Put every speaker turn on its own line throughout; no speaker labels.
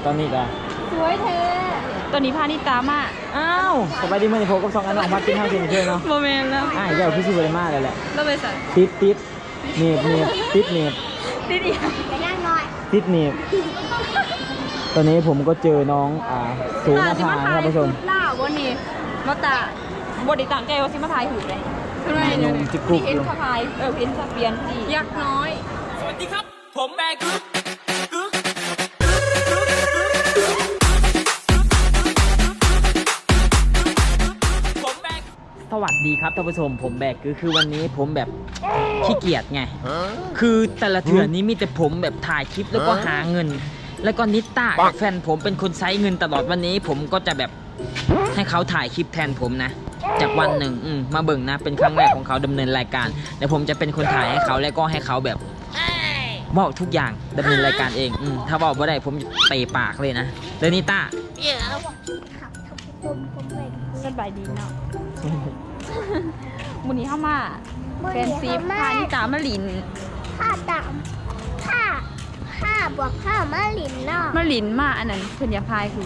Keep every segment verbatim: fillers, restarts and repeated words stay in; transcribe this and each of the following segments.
ตอนนี้ก็
สวยเธอตอนนี้พานิตามา
อ้าวสบายดีเมื่อนี้ผมกับสองอันน้องมากินข้าวเที่ยงเที่ยงเนาะ
โมเมนต์แล้ว
อ่าเดี๋ยวพี่ชูไปมาเลยแหละ
เราไปสั่ง
ติดติดเนีบเนีบติดเนีบ
ติดอีกไปนั่งหน่อย
ติดเนีบตอนนี้ผมก็เจอน้องอ่าสูงมาทางครับผู้ชม
ล่าวันนี้มาตาบไดิต่างใจว่าซิมาทายหูเลยทำไมเนี่ยพี่เอ็นคาพายเออพี่เอ็นคาเปียนยักษ์น้อย
สวัสดีครับผมแบกึ๊กกึ๊กผมแบก
สวัสดีครับท่านผู้ชมผมแบกคือคือวันนี้ผมแบบขี้เกียจไงคือแต่ละเถื่อนนี้มีแต่ผมแบบถ่ายคลิปแล้วก็หาเงินแล้วก็นิต้าแฟนผมเป็นคนใช้เงินตลอดวันนี้ผมก็จะแบบให้เขาถ่ายคลิปแทนผมนะจากวันหนึ่งมาเบิ่งนะเป็นครั้งแรกของเขาดำเนินรายการเดี๋ยวผมจะเป็นคนถ่ายให้เขาแล้วก็ให้เขาแบบบอกทุกอย่างดำเนินรายการเองอถ้าบอกว่าได้ผมเตะปากเลยนะเดนิต้า
สบายดีเนาะวันนี้เข้ามาแฟนซีพานิตามาลิน
ข้าตามข้าข้าบอกข้ามาลินเนาะ
มาลินมาอันนั้นเพิ่นอย่าพายคือ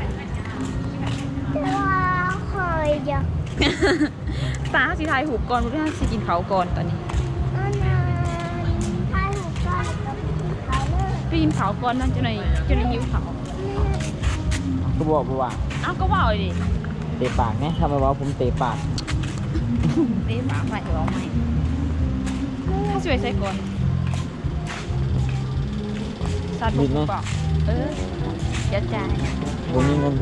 ว่าคอยจะ
ตาสิทายหูก่อนเพื่อนสิกินเขาก่อนตอนนี้
อันนั้นทายหูก่อนกับเขาเลย
ไปกินเขาก่อนนั่นจะไหนจะไหนหิวเขา
ก็บอกว่า
อ้าวก็ว่าเลยดิ
เตะปากเนี่ยทำไมว่าผมเตะปาก
เตะปากใส่ร้องไหมถ้าสวยใส่ก่อนซาดุกบอกเออเดี๋ยวจ่าย
ผมมีเงิน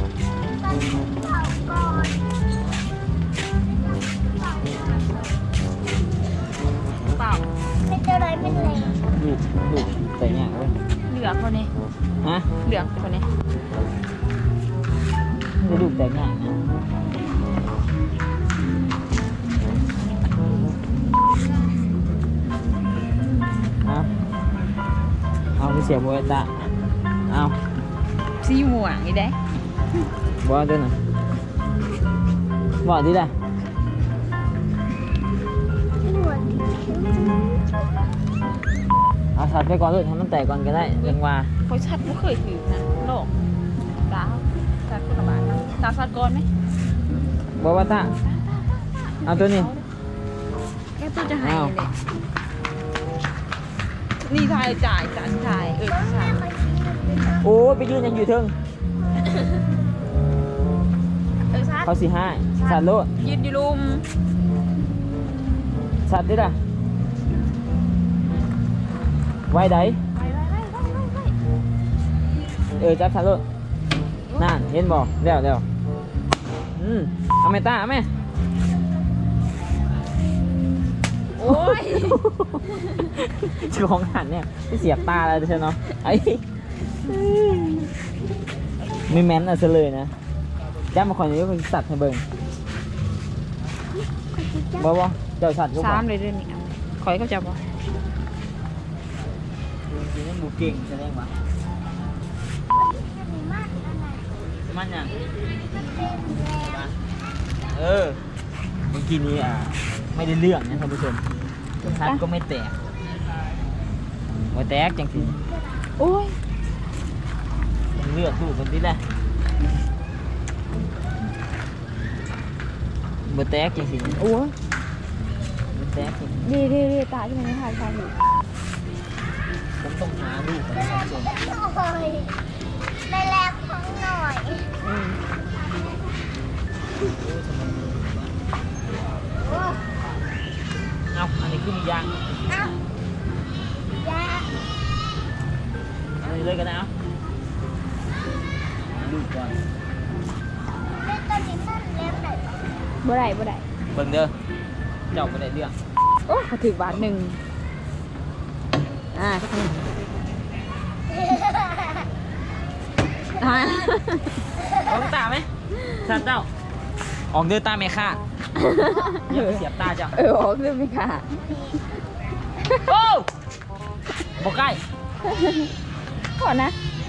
เปล่า
เป็นอะไรเป็นอะไร
ดูดูแต่เนี่ยเว้ย
เหลือคนนี้
ฮะ
เหลือคนนี้
จะดูแต่เนี่ยนะเอาเอาไปเสียบวยตาเอา
ซีหม่วงนี่ได้
บอกด้วยนะบอกดีได้เอาชัดไปก่อนเลยทำมันแตกก่อนก็ได้ยังว่า
เขาชัดไม่เคยถือนะโลกตาชัดคนละบาทนะตาชัดก่อนไหม
บอกว่าตาเอาตัวนี้
แกตัวจะหายเลยนี่ทายจ่ายจ่ายจ่ายเออจ่าย
โอ้ไปยืนยังอยู่เทิงเขาสี่ห้าสัตว์โลด
ยืนอยู่ลุม
สัตว์ดิล่ะไว้ไดเออจับสัตว์โลดนั่นเห็นบ่เดี๋ยวเดี๋ยวอืมเอาไหมตาเอาไหม
โอ้ย
ชื่อของหันเนี่ยที่เสียบตาแล้วใช่เนาะไอ้ไม่แม้นอะเฉลยนะแจ้มาคอยนี้ก็สัตว์ให้เบิ่งบ่บ่เจ้าสัตว์ก็บ่
สามเลยเรื่องนี้คอยเขาจับบ่
จริงๆบุกเก่งแสดงว่ามันยังเออเมื่อกี้นี้อ่ะไม่ได้เรื่องนะท่านผู้ชมสัตว์ก็ไม่แตกไม่แตกจังสิ
โอ้ย
เลือดตู้คนที่แรกเบอร์แตกจริง
ๆโอ้ย
เบอร์แตกจริง
ดีดีดีตาที่มันไม่ถ่ายถ่ายอยู่
ผมต้องหาลูกกันสองคน
โอ้ยได้แลกของหน่อย
เอาอันนี้ขึ้นยาง
เอายา
อันนี้เลยกันนะลูกก่อน
เล่นตัวนี้มันเลี้ยงไหน
บ่ได้บ่ได้
เบิ่งเด้อเจ้าบ่ได้เรื่อง
โอ้เขาถือบาทหนึ่งอ่า
ออกตาไหมสัตว์เจ้าออกเดินตาไม่ค่าอย่าเสียบตาเจ้า
เออออกเดินไม่ค่า
โอ้บอกใกล้
ก่อนนะ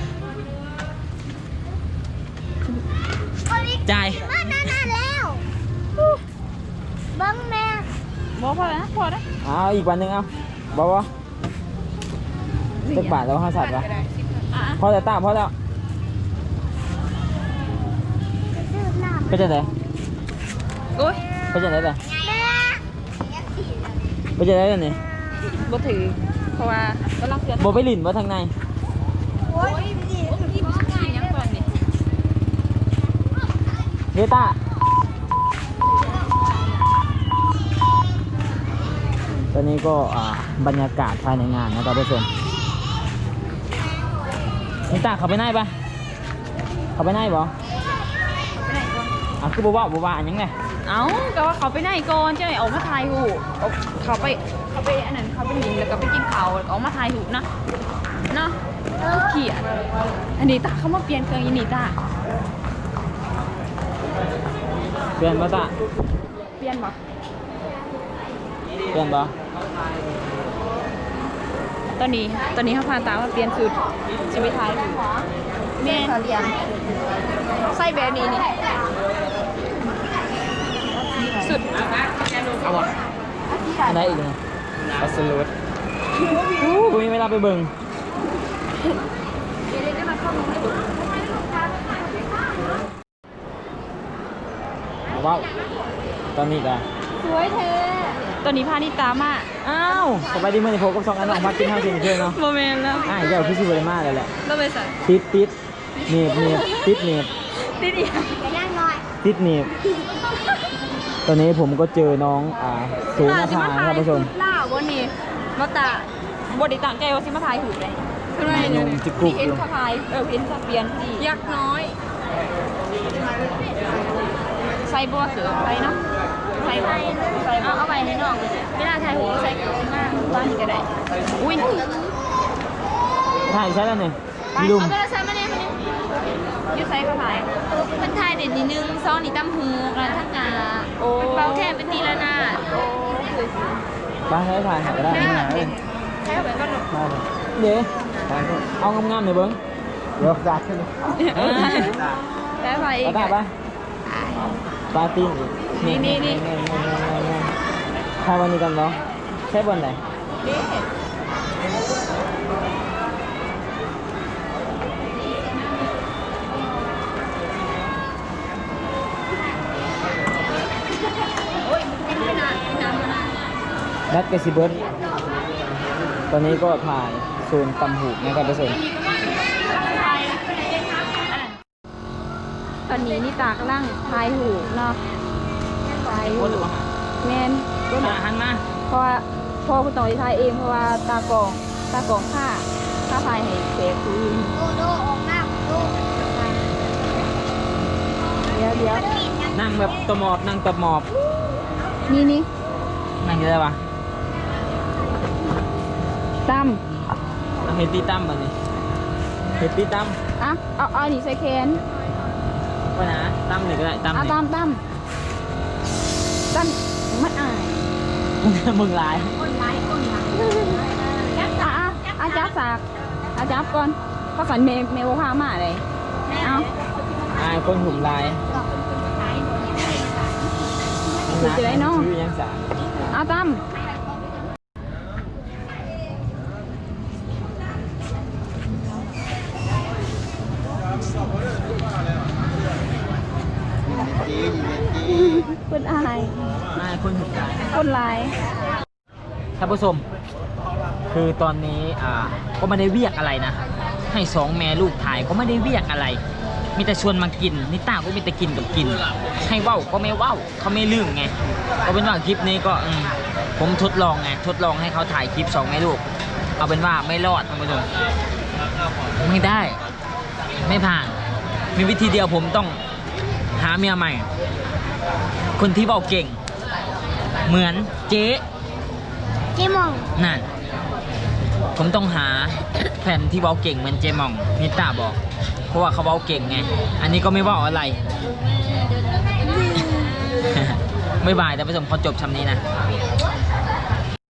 จ่าย
มานานแล้วบังแม่
บอกพอแล้วพอแล้ว
เอาอีกวันหนึ่งเอาบอกว่าตึกบาทแล้วห้าสัตว์วะพอแต่ตาพอแล้วไปจะไหน
โอ้ย
ไปจะไหนล่ะไปจะไหนล่ะนี่
บ่ถือเพราะว่ากำลังเสีย
บ่ไปหลินบ่ทางใน
โอ้ยนี่กินยังก่อนนี่
เฮต้าตอนนี้ก็อ่าบรรยากาศภายในงานนะครับผู้ชมเฮต้าเข้าไปไหนปะเข้าไปไหนบ่
ไปไหนก่อน
อ่ะคือบ่ว่าบ่ว่าอันยังไง
เอ้าก็ว่าเขาไปไหนก่อนจะไหนออกมาถ่ายหูปเอาเขาไปเขาไปอันนั้นเขาไปหนิงแล้วก็ไปกินข้าวออกมาถ่ายหูปนะเนาะเขียนอันนี้ตาเขามาเปลี่ยนเครื่องยินนี่ตา
เปลี่ยนบ่ตา
เปลี่ยนบ่
เปลี่ยนบ่
ตอนนี้ตอนนี้เขาพาตามาเปลี่ยนชุดจะไปถ่ายหูปแม่เรียนใส่แบบนี้นี่สุด
เอาบ่อันไหนอีกนะอัสลูดอู้บ่มีเวลาไปเบิ่งว้าวตอนนี้ก็
สวยเธอตอนนี้พานิตามา
อ้าวสบายดีมื้อนี้ผมกับสองอันออกมากินข้าวเที่ยงคืนเนาะ
โมเมนต์แล้ว
อ่าเจ้าพี่สิบ่ได้มาเลยแหละ
ต้องไปใส่
ติดติดหนีบหนีบติดหนีบ
ติดอีก
ไปนั่งหน่อย
ติดหนีบตอนนี้ผมก็เจอน้องอ่าสูงอาภาครับผู้ชม
ล่าวันนี้มาตาบไดิต่างใจว่าสิมาถ่ายหูเลยขึ้นมา
นมจิกกุก
เห็นเขาถ่ายเออเห็นสเปียนดียักษ์น้อยใส่บัวเสือใส่เนาะใส่ใส่ใส่เอาเอาไปให้น้องเวลาถ่ายหูใส่กับหน้าบ้านนี่ก็ได้อุ้ย
ถ่ายใช่แล้วเนี่ย
ไป
มีลุม
เอาโทรศัพท์มาเนี่ยมาเนี่ยยืดใส่เขาถ่ายมันถ่ายเด็ดนิดนึงซองนี่ตั้มหูกันทั้งงาโอ้เบาแค่เป็นตีละนาโอ้
บ้านใช้ถ่ายหาก็ได้
ใช่
ไม่
ไหม
หาเลย
ใช่ไหมก็หนุก
เดี๋ยวเอางามๆหน่อยเบิ้งเดี๋ยวจัดขึ้น
ได้ไปอี
เอา
ก
ได้ปะปาร์ตี้อีก
นี่นี่นี่
ถ่ายวันนี้กันเนาะใช้บนไหน
นี่โอ้ยมันไม่นานไม่นานไม่นาน
นัดกระซิบเบิร์ดตอนนี้ก็ถ่ายโซนตำหูนะครับทุกคน
ตอนนี้นี่ตากำลังทายหูเนาะทายหูแมนก็
มา
นะ
หันมา
เพราะว่าพ่อคุณต่อยทายเองเพราะว่าตากองตากองค่าค่าทายให้เสกคือ
โดโดออกหน้าโด
เดี๋ยวเดี๋ยว
นั่งแบบตะหมอบนั่งตะหมอบ
นี่นี่
นั่งอยังไงวะ
ตั้ม
นั่งเฮดตี้ตั้มแบบนี้เฮดตี้ตั้ม
อ่ะเอาเอานี่ใส่แขน
ว่านะตั้มหนึ่งก็ได้ตั้มห
เอา
นึ่ง
ตั้มตั้มตั้มมันอาย
มึงลาย
คนร้ายคนร้ายอ่ะอ่ะอาจับสากอาจับก่อนเขาฝันเมย์เมย์ว่าพามาเลยเอา
อายคนหุ่มลาย
สุดจะได้เนาะ
ชื่อยังสา
เอาตั้มคนอาย
อายคนหุ่มลาย
คนร้าย
ท่านผู้ชมคือตอนนี้อ่าก็ไม่ได้เวียกอะไรนะ ให้สองแม่ลูกถ่ายก็ไม่ได้เวียกอะไร มีแต่ชวนมากินนิต้าก็มีแต่กินกับกิน ให้เว้าก็ไม่เว้าเขาไม่ลืมไงก็เป็นว่าคลิปนี้ก็อืมผมทดลองไงทดลองให้เขาถ่ายคลิปสองแม่ลูก เอาเป็นว่าไม่รอดท่านผู้ชมไม่ได้ ไม่ผ่าน มีวิธีเดียวผมต้องหาเมียใหม่ คนที่เว้าเก่ง เหมือนเจ๊
เจมอง
นั่น ผมต้องหาแฟนที่เว้าเก่งเหมือนเจมองนิต้าบอก เพราะว่าเขาเว้าเก่งไง อันนี้ก็ไม่เว้าอะไร ไม่บายแต่ผู้ชมเขาจบคำนี้นะ
บ